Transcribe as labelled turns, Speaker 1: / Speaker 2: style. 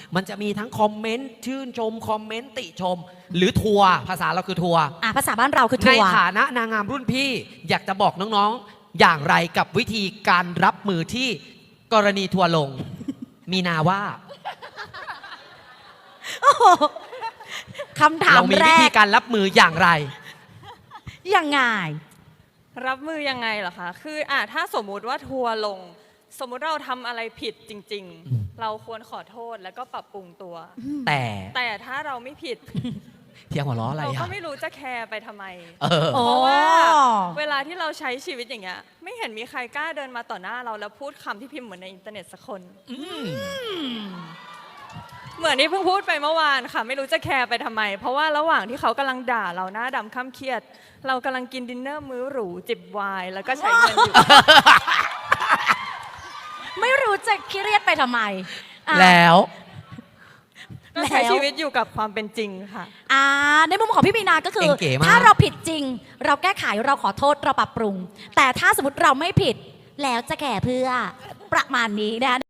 Speaker 1: มันจะมีทั้งคอมเมนต์ชื่นชมคอมเมนต์ติชม หรือทัวร์ภาษาเราคือทัวร์
Speaker 2: ภาษาบ้านเราคือทัวร์
Speaker 1: ในฐานะนางงามรุ่นพี่อยากจะบอกน้องๆอย่างไรกับวิธีการรับมือที่กรณีทัวร์ลง มีนาว่า
Speaker 2: คำถาม
Speaker 1: เรามี
Speaker 2: แร
Speaker 1: วิธี
Speaker 2: ก
Speaker 1: การรับมืออย่างไร
Speaker 2: ยังไง
Speaker 3: รับมือยังไงเหรอคะ คือถ้าสมมุติว่าทัวร์ลง สมมุติเราทำอะไรผิดจริงๆ เราควรขอโทษแล้วก็ปรับปรุงตัว แต่ถ้าเราไม่ผิด
Speaker 1: เที่ยงหัวล้ออะไร
Speaker 3: เราก็
Speaker 1: อ่ะ
Speaker 3: ไม่รู้จะแคร์ไปทำไม
Speaker 2: โอ้
Speaker 3: เพราะว่าเวลาที่เราใช้ชีวิตอย่างเงี้ย ไม่เห็นมีใครกล้าเดินมาต่อหน้าเราแล้วพูดคำที่พิมพ์เหมือนในอินเทอร์เน็ตสักคน เหมือนที่เพิ่งพูดไปเมื่อวานค่ะ ไม่รู้จะแคร์ไปทำไม เพราะว่าระหว่างที่เขากำลังด่าเราหน้าดำข้ามเครียด เรากำลังกินดินเนอร์มื้อหรูจิบไวน์แล้วก็ใช้เงินอยู่
Speaker 2: ไม่รู้จะเครียดไปทำไมอ่ะ
Speaker 1: แล้ว
Speaker 3: ก็ใช้ชีวิตอยู่กับความเป็นจริงค่ะ
Speaker 2: ในมุมของพี่มีนาก็คือ
Speaker 1: เก๋มาก
Speaker 2: ถ้าเราผิดจริง เราแก้ไขเราขอโทษเราปรับปรุง แต่ถ้าสมมติเราไม่ผิดแล้วจะแก่เพื่อประมาณนี้นะ